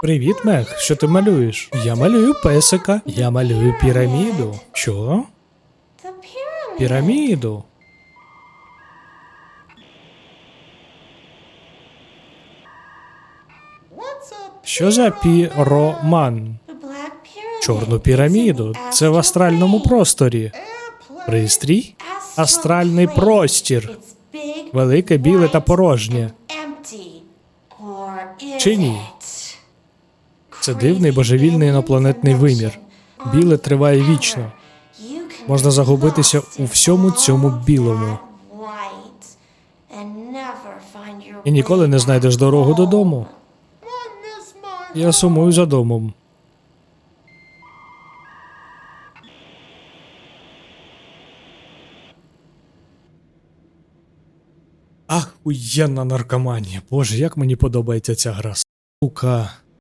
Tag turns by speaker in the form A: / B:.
A: Привіт, Мех. Що ти малюєш? Я малюю песика. Я малюю піраміду. Що? Піраміду. Що за піроман? Чорну піраміду. Це в астральному просторі. Пристрій? Астральний простір. Велике, біле та порожнє. Чи ні? Це дивний божевільний інопланетний вимір. Біле триває вічно. Можна загубитися у всьому цьому білому. І ніколи не знайдеш дорогу додому. Я сумую за домом. Ахуєнна наркоманія. Боже, як мені подобається ця гра. Сука.